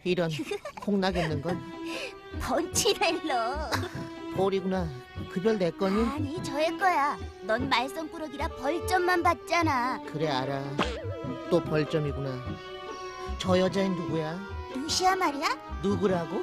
이런, 콩나겠는걸. 번치렐로. 볼이구나. 그 별 내 거니? 아니, 저의 거야. 넌 말썽꾸러기라 벌점만 받잖아. 그래, 알아. 또 벌점이구나. 저 여자인 누구야? 루시아 말이야? 누구라고?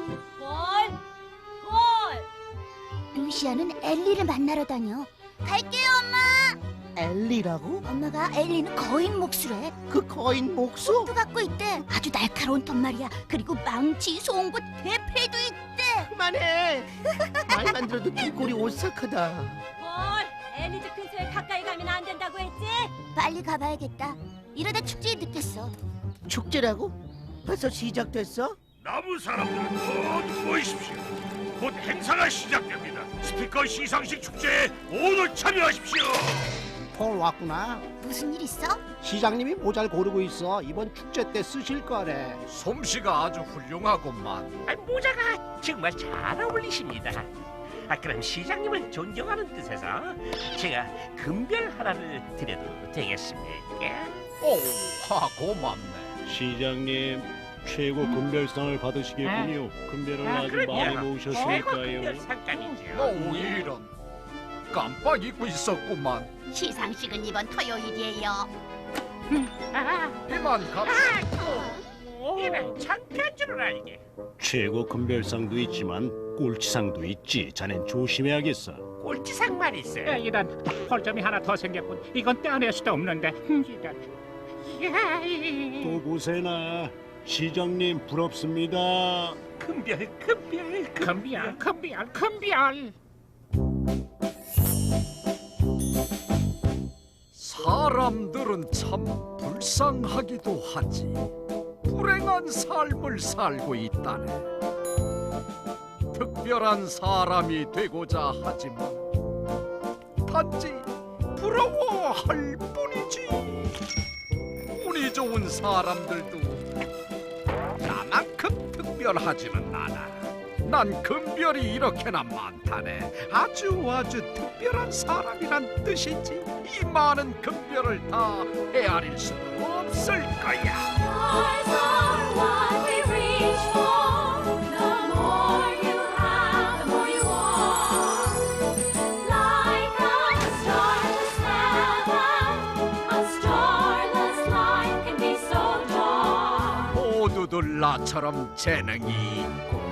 루시아는 엘리를 만나러 다녀. 갈게요, 엄마. 엘리라고? 엄마가 엘리는 거인 몫으래. 그 거인 목소? 또 갖고 있대. 아주 날카로운 톱 말이야. 그리고 망치, 송곳, 대패도 있대. 그만해. 말만 들어도 뒷골이 오싹하다. 뭘? 엘리즈 근처에 가까이 가면 안 된다고 했지? 빨리 가봐야겠다. 이러다 축제에 늦겠어. 축제라고? 벌써 시작됐어? 나무 사람들은 모두 모이십시오. 곧 행사가 시작됩니다. 스티커 시상식 축제에 모두 참여하십시오. 폴 왔구나. 무슨 일 있어? 시장님이 모자를 고르고 있어. 이번 축제 때 쓰실 거래. 솜씨가 아주 훌륭하구만. 모자가 정말 잘 어울리십니다. 그럼 시장님을 존경하는 뜻에서 제가 금별 하나를 드려도 되겠습니까? 오, 고맙네. 시장님 최고 금별상을 받으시겠군요. 금별을 아주 많이 최고 모으셨으니까요. 금별 상감이죠. 오, 이런. 깜빡 잊고 있었구만. 시상식은 이번 토요일이에요. 이만 갑시다. 이런 잠깐 줄 알게. 최고 금별상도 있지만 꼴찌상도 있지. 자넨 조심해야겠어. 꼴찌상 말이세. 이런 벌점이 하나 더 생겼군. 이건 떼어낼 수도 없는데. 이런. 또 보세나. 시장님 부럽습니다. 금별. 금별. 사람들은 참 불쌍하기도 하지. 불행한 삶을 살고 있다네. 특별한 사람이 되고자 하지만 단지 부러워할 뿐이지. 운이 좋은 사람들도 나만큼 특별하지는 않아. 난 금별이 이렇게나 많다네. 아주 특별한 사람이란 뜻이지. 이 많은 금별을 다 헤아릴 수는 없을 거야. 모두들 나처럼 재능이 있고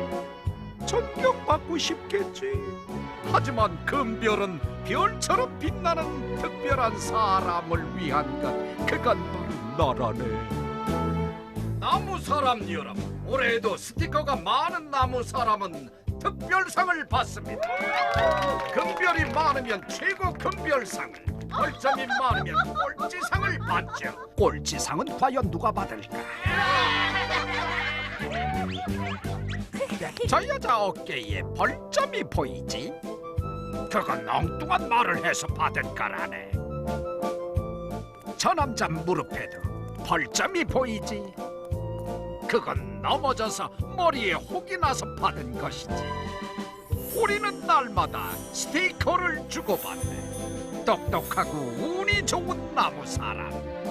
존경받고 싶겠지. 하지만 금별은 별처럼 빛나는 특별한 사람을 위한 것. 그건 바로 나라네. 나무 사람 여러분, 올해에도 스티커가 많은 나무 사람은 특별상을 받습니다. 금별이 많으면 최고 금별상을, 벌점이 많으면 꼴찌상을 받죠. 꼴찌상은 과연 누가 받을까? 저 여자 어깨에 벌점이 보이지? 그건 엉뚱한 말을 해서 받은 거라네. 저 남자 무릎에도 벌점이 보이지? 그건 넘어져서 머리에 혹이 나서 받은 것이지. 우리는 날마다 스티커를 주고받네. 똑똑하고 운이 좋은 나무 사람,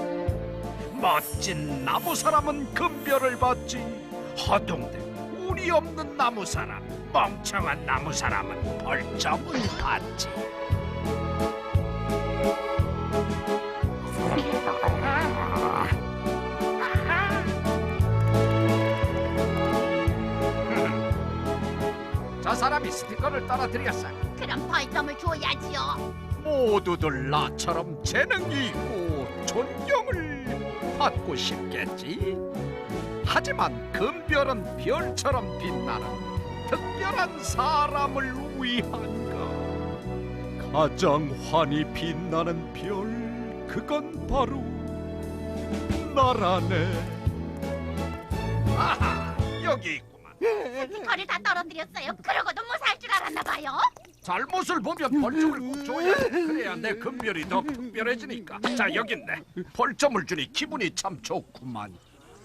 멋진 나무 사람은 금별을 받지. 허둥대고 운이 없는 나무 사람, 멍청한 나무 사람은 벌점을 받지. 저 사람이 스티커를 떨어뜨렸어. 그럼 벌점을 줘야지요. 모두들 나처럼 재능이 있고 존경을 받고 싶겠지. 하지만 금별은 별처럼 빛나는 특별한 사람을 위한가. 가장 환히 빛나는 별, 그건 바로 나라네. 아하, 여기 있구만. 스티커를 다 떨어뜨렸어요. 그러고도 뭐 살 줄 알았나 봐요. 잘못을 보면 벌점을 꼭 줘야 돼. 그래야 내 금별이 더 특별해지니까. 자, 여기 있네. 벌점을 주니 기분이 참 좋구만.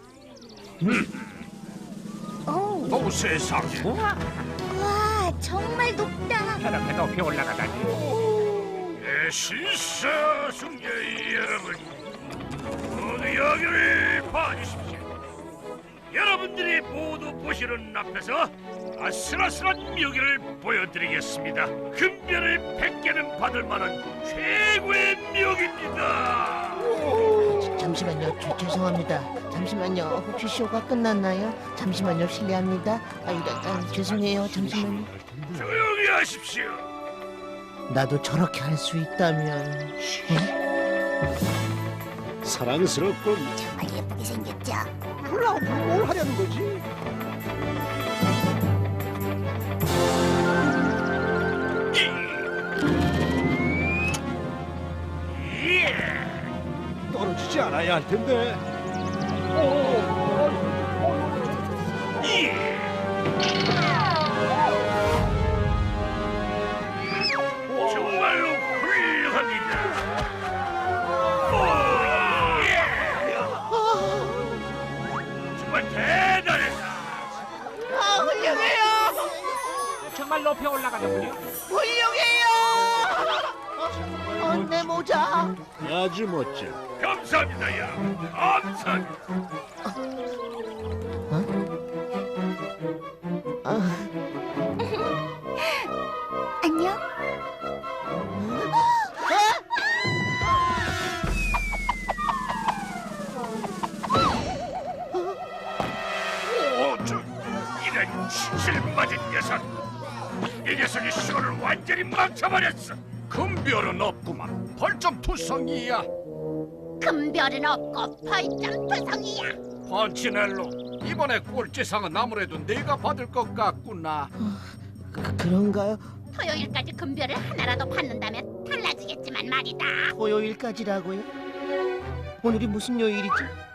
오, 세상에. 와, 정말 높다. 저렇게 높이 올라가다니. 시사 승객 여러분, 모두 여기를 봐주십시오. 여러분 손님들이 모두 보시는 앞에서 아슬아슬한 묘기를 보여드리겠습니다. 금별을 100개는 받을 만한 최고의 묘기입니다. 잠시만요. 죄송합니다. 잠시만요. 혹시 쇼가 끝났나요? 잠시만요. 실례합니다. 죄송해요. 잠시만요. 조용히 하십시오. 나도 저렇게 할 수 있다면. 사랑스럽군. 정말 예쁘게 생겼죠? 그럼 앞으로 뭘 하려는 거지? 예. 떨어지지 않아야 할 텐데. 예. 정말로 훌륭합니다. 오, 예. 정말 대단했다. 훌륭해요. 정말 높이 올라가는군요. 훌륭해요. 내 모자. 아주 멋져. 감사합니다, 여러분. 감사합니다. 안녕. 오, 이런 신실 맞은 녀석. 이 녀석이 쇼를 완전히 망쳐버렸어. 금별은 없구만. 벌점 투성이야. 금별은 없고 벌점 투성이야. 펀치넬로, 이번에 꼴찌상은 아무래도 내가 받을 것 같구나. 그런가요? 토요일까지 금별을 하나라도 받는다면 달라지겠지만 말이다. 토요일까지라고요? 오늘이 무슨 요일이지?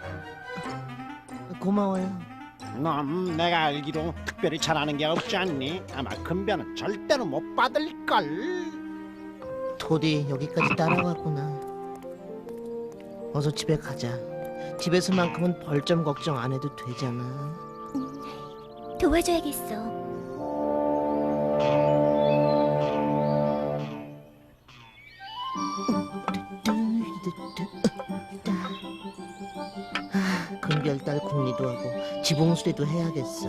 고마워요. 넌 내가 알기로 특별히 잘하는 게 없지 않니? 아마 금별은 절대로 못 받을걸. 토디 여기까지 따라왔구나. 어서 집에 가자. 집에서만큼은 벌점 걱정 안 해도 되잖아. 도와줘야겠어. 금별달 궁리도 하고 지봉수리도 해야겠어.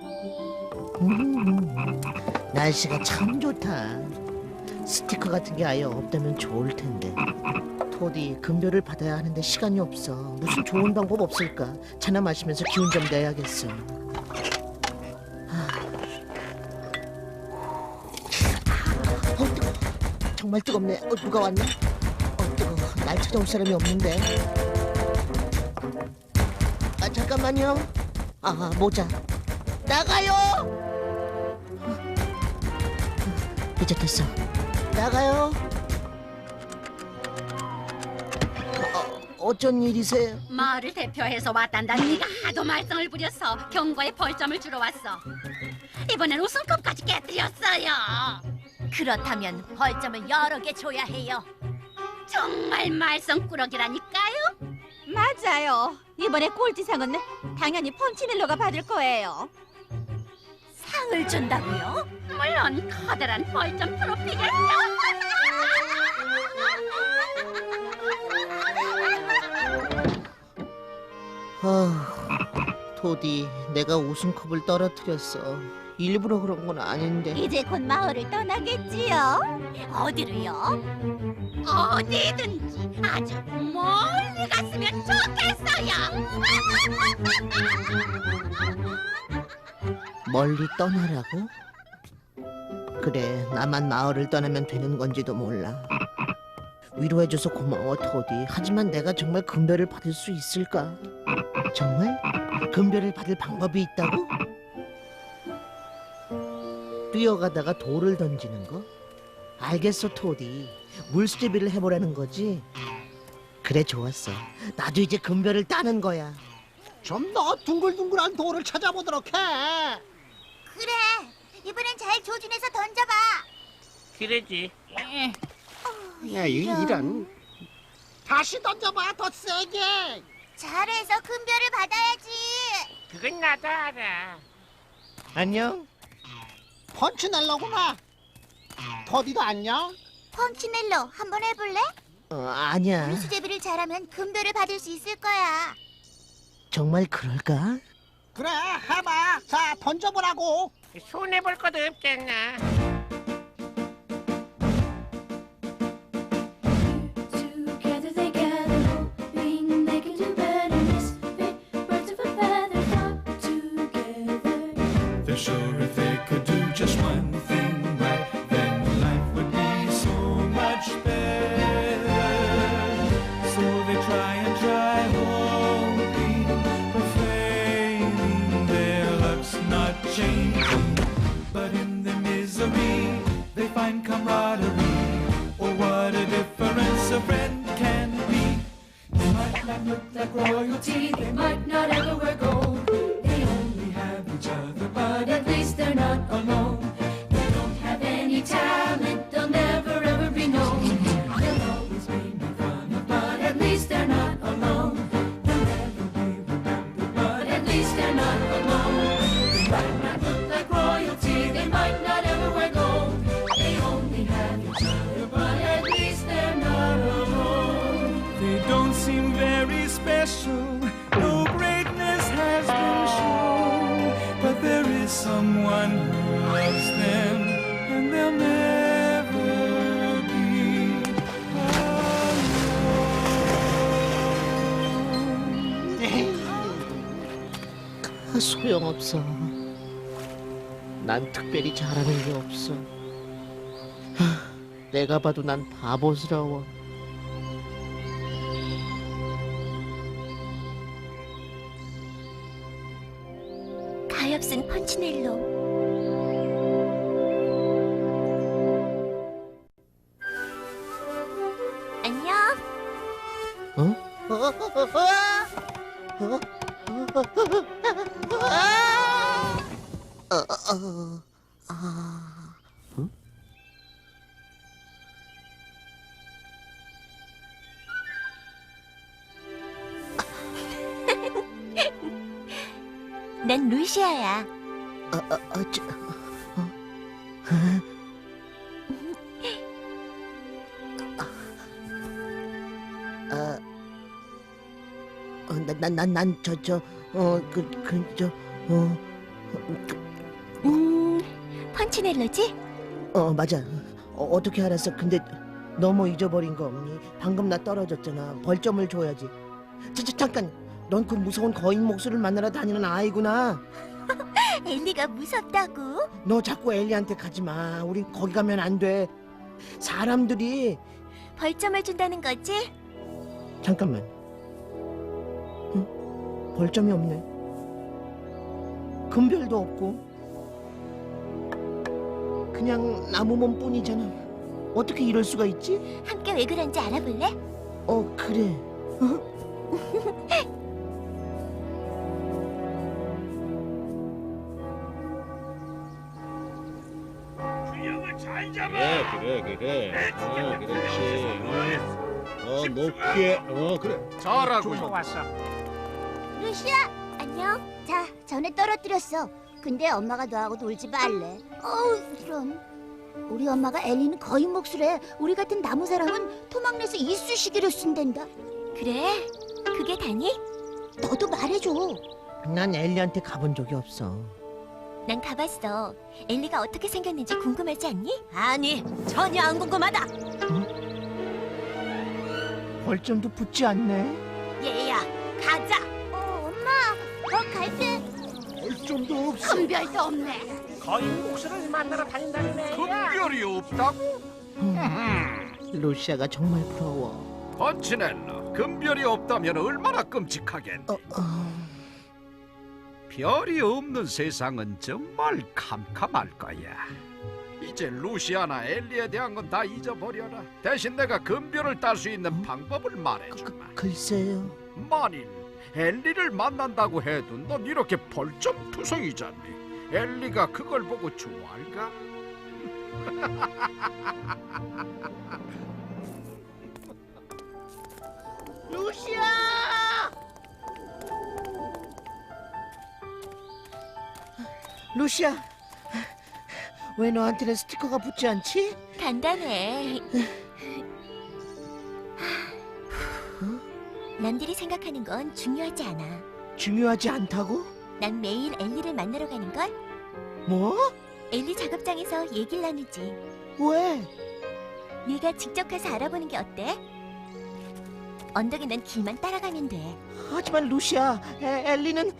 날씨가 참 좋다. 스티커 같은 게 아예 없다면 좋을 텐데. 토디 금별을 받아야 하는데 시간이 없어. 무슨 좋은 방법 없을까? 차나 마시면서 기운 좀 내야겠어. 뜨거. 정말 뜨겁네. 누가 왔나? 뜨거. 날 찾아올 사람이 없는데. 잠깐만요. 모자. 나가요. 이제 됐어. 나가요. 어쩐 일이세요? 마을을 대표해서 왔단다. 네가 하도 말썽을 부려서 경과에 벌점을 주러 왔어. 이번엔 우승컵까지 깨뜨렸어요. 그렇다면 벌점을 여러 개 줘야 해요. 정말 말썽꾸러기라니까요. 맞아요. 이번에 꼴찌상은 당연히 펀치넬로가 받을 거예요. 상을 준다고요? 물론 커다란 벌점 트로피겠죠. 토디, 내가 우승컵을 떨어뜨렸어. 일부러 그런 건 아닌데. 이제 곧 마을을 떠나겠지요. 어디로요? 어디든지 아주 멀리 갔으면 좋겠어요. 멀리 떠나라고? 그래, 나만 마을을 떠나면 되는 건지도 몰라. 위로해줘서 고마워, 토디. 하지만 내가 정말 금별을 받을 수 있을까? 정말? 금별을 받을 방법이 있다고? 뛰어가다가 돌을 던지는 거? 알겠어, 토디. 물수제비를 해보라는 거지? 그래, 좋았어. 나도 이제 금별을 따는 거야. 좀 더 둥글둥글한 돌을 찾아보도록 해. 그래, 이번엔 잘 조준해서 던져봐. 그러지. 야, 이런. 다시 던져봐, 더 세게. 잘해서 금별을 받아야지. 그건 나도 알아. 안녕? 펀치넬로구나. 토디도 안녕. 펀치넬로 한번 해볼래? 아니야. 수제비를 잘하면 금별을 받을 수 있을 거야. 정말 그럴까? 그래, 해봐. 자, 던져보라고. 손해볼 것도 없잖아. Together they gather, hoping they can do better. Misfit birds of a feather flock together. They're sure if they could do just one thing right, then life would be so much better. So they try and try, hoping, but failing, their luck's not changing. But in their misery, they find camaraderie. Oh, what a difference a friend can be. They might not look like royalty, they might not ever wear gold. They only have each other, but at least they're not alone. They don't have any talent, they'll never ever be known. They'll always be made fun of, but at least they're not alone. They'll never be remembered, but at least they're not alone. They might not look like royalty, they might not ever wear gold. They only have each other, but at least they're not alone. They don't seem very special, no greatness has been shown, but there is someone who loves them, and they'll never be alone. 소용없어. 난 특별히 잘하는 게 없어. 내가 봐도 난 바보스러워. 가엾은 펀치넬로. 안녕. 난 루시아야. 펀치넬로지? 맞아. 어떻게 알았어? 근데 너무 잊어버린 거 없니? 방금 나 떨어졌잖아. 벌점을 줘야지. 잠깐. 넌 그 무서운 거인 목수를 만나러 다니는 아이구나. 엘리가 무섭다고? 너 자꾸 엘리한테 가지 마. 우린 거기 가면 안 돼. 사람들이. 벌점을 준다는 거지? 잠깐만. 응? 벌점이 없네. 금별도 없고. 그냥 나무 몸뿐이잖아. 어떻게 이럴 수가 있지? 함께 왜 그런지 알아볼래? 그래. 균형을 잘 잡아. 그래. 그렇지. 높게. 그래. 잘하고 있어. 좋았어. 루시아, 안녕. 자, 전에 떨어뜨렸어. 근데 엄마가 너하고 놀지 말래. 이런. 우리 엄마가 엘리는 거인 목수래. 우리 같은 나무 사람은 토막내서 이쑤시개로 쓴댄다. 그래? 그게 다니? 너도 말해줘. 난 엘리한테 가본 적이 없어. 난 가봤어. 엘리가 어떻게 생겼는지 궁금하지 않니? 아니, 전혀 안 궁금하다. 벌점도 붙지 않네. 얘야, 가자. 엄마, 갈 때. 벌점도 없어. 큰별도 없네. 거인 목수를 만나러 다닌다는 애야. 금별이 없다고? 루시아가 정말 부러워. 펀치넬로, 금별이 없다면 얼마나 끔찍하겠니? 별이 없는 세상은 정말 캄캄할 거야. 이제 루시아나 엘리에 대한 건 다 잊어버려라. 대신 내가 금별을 딸 수 있는 방법을 말해주마. 글쎄요. 만일 엘리를 만난다고 해도 넌 이렇게 벌점투성이잖니. 엘리가 그걸 보고 좋아할까? 루시아! 루시아, 왜 너한테는 스티커가 붙지 않지? 간단해. 남들이 생각하는 건 중요하지 않아. 중요하지 않다고? 난 매일 엘리를 만나러 가는걸. 뭐? 엘리 작업장에서 얘기를 나누지. 왜? 네가 직접 가서 알아보는 게 어때? 언덕에 난 길만 따라가면 돼. 하지만 루시아, 엘리는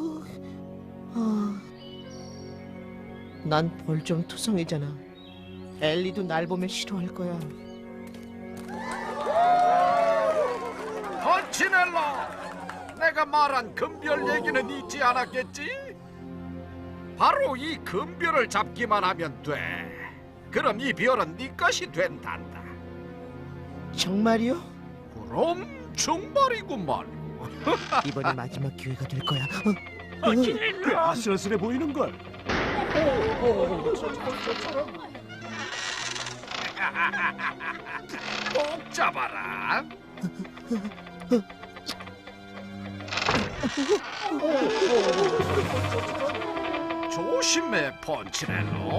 난 벌점 투성이잖아. 엘리도 날 보면 싫어할 거야. 펀치넬로, 내가 말한 금별 얘기는 잊지 않았겠지? 바로 이 금별을 잡기만 하면 돼. 그럼 이 별은 네 것이 된단다. 정말이요? 그럼 정말이구만. 이번이 마지막 기회가 될 거야. 꽤 아슬아슬해 보이는 걸. 꼭 잡아라. 조심해, 펀치넬로.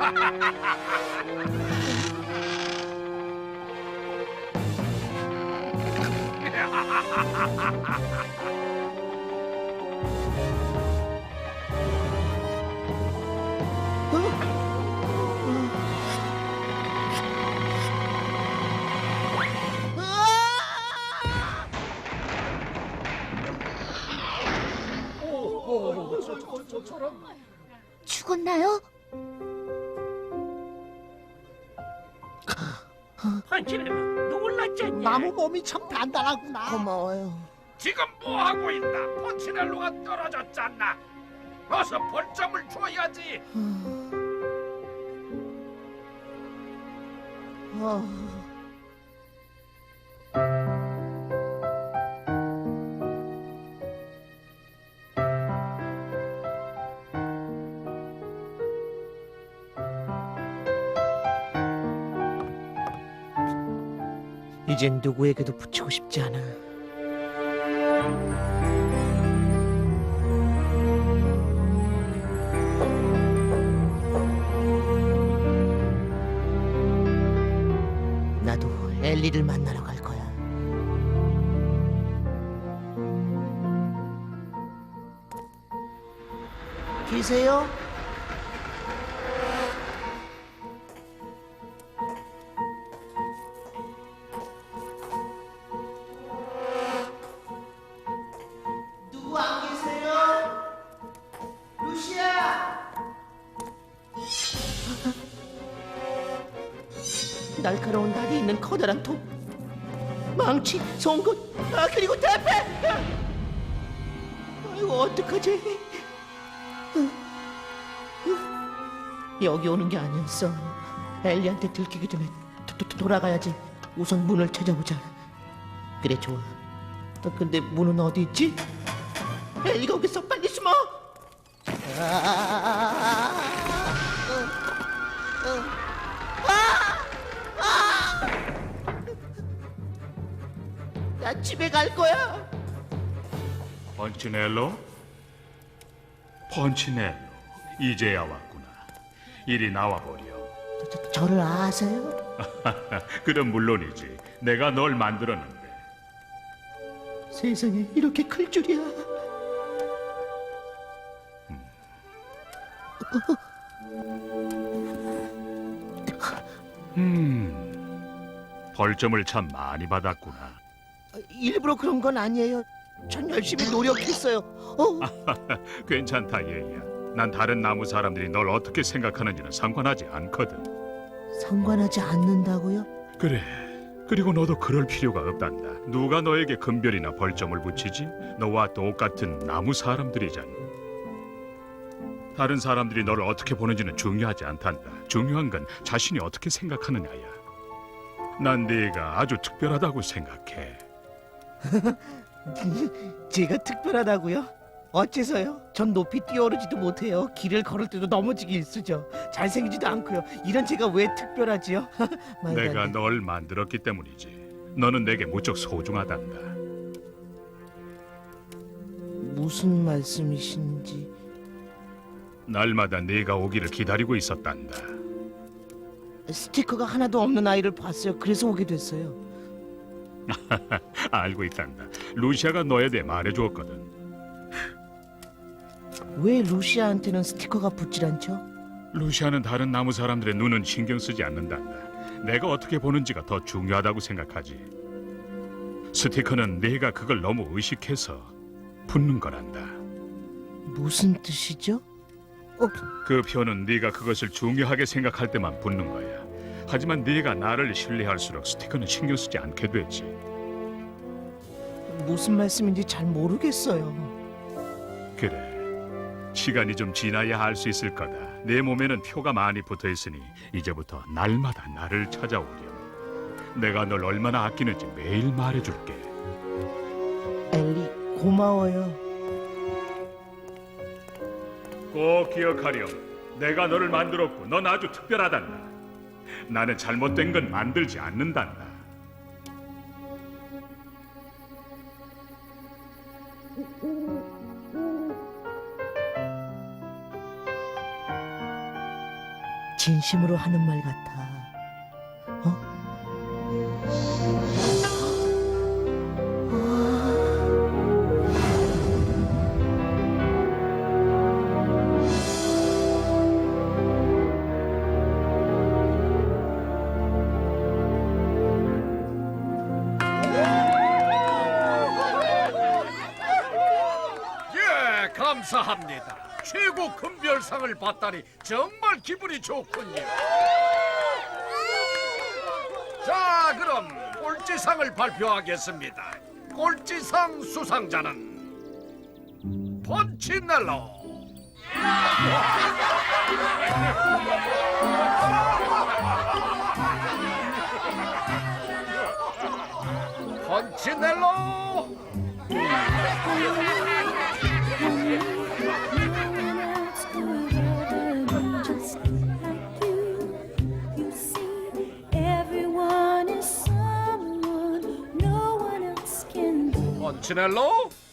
죽었나요? 펀치는 놀랐지 않냐? 나무 몸이 참 단단하구나. 고마워요. 지금 뭐 하고 있나? 펀치넬로가 떨어졌잖아. 어서 벌점을 줘야지. 이젠 누구에게도 붙이고 싶지 않아. 나도 엘리를 만나러 갈 거야. 계세요? 누구 안 계세요? 루시아! 날카로운 다리 있는 커다란 톱, 망치, 송곳, 그리고 대패! 아이고 어떡하지? 여기 오는 게 아니었어. 엘리한테 들키기 전에 돌아가야지. 우선 문을 찾아보자. 그래 좋아. 근데 문은 어디 있지? 엘리가 오겠어. 빨리 숨어. 나 집에 갈 거야. 펀치넬로? 펀치넬로, 이제야 왔구나. 이리 나와보렴. 저를 아세요? 그럼 물론이지. 내가 널 만들었는데. 세상에 이렇게 클 줄이야. 벌점을 참 많이 받았구나. 일부러 그런 건 아니에요. 전 열심히 노력했어요. 괜찮다, 얘야. 난 다른 나무 사람들이 널 어떻게 생각하는지는 상관하지 않거든. 상관하지 않는다고요? 그래. 그리고 너도 그럴 필요가 없단다. 누가 너에게 금별이나 벌점을 붙이지? 너와 똑같은 나무 사람들이잖아. 다른 사람들이 너를 어떻게 보는지는 중요하지 않단다. 중요한 건 자신이 어떻게 생각하느냐야. 난 네가 아주 특별하다고 생각해. 제가 특별하다고요? 어째서요? 전 높이 뛰어오르지도 못해요. 길을 걸을 때도 넘어지기 일쑤죠. 잘생기지도 않고요. 이런 제가 왜 특별하지요? 말도 안 내가 돼. 널 만들었기 때문이지. 너는 내게 무척 소중하단다. 무슨 말씀이신지. 날마다 네가 오기를 기다리고 있었단다. 스티커가 하나도 없는 아이를 봤어요. 그래서 오게 됐어요. 알고 있단다. 루시아가 너에 대해 말해주었거든. 왜 루시아한테는 스티커가 붙질 않죠? 루시아는 다른 나무 사람들의 눈은 신경 쓰지 않는단다. 내가 어떻게 보는지가 더 중요하다고 생각하지. 스티커는 네가 그걸 너무 의식해서 붙는 거란다. 무슨 뜻이죠? 그 표는 네가 그것을 중요하게 생각할 때만 붙는 거야. 하지만 네가 나를 신뢰할수록 스티커는 신경 쓰지 않게 되지. 무슨 말씀인지 잘 모르겠어요. 그래. 시간이 좀 지나야 알 수 있을 거다. 내 몸에는 표가 많이 붙어 있으니 이제부터 날마다 나를 찾아오렴. 내가 널 얼마나 아끼는지 매일 말해줄게. 엘리, 고마워요. 꼭 기억하렴. 내가 너를 만들었고 넌 아주 특별하단다. 나는 잘못된 건 만들지 않는단다. 진심으로 하는 말 같아. 예, 감사합니다. 최고 금별상을 받다니 정말 기분이 좋군요. 자, 그럼 꼴찌상을 발표하겠습니다. 꼴찌상 수상자는 펀치넬로. 펀치넬로. 펀치넬로.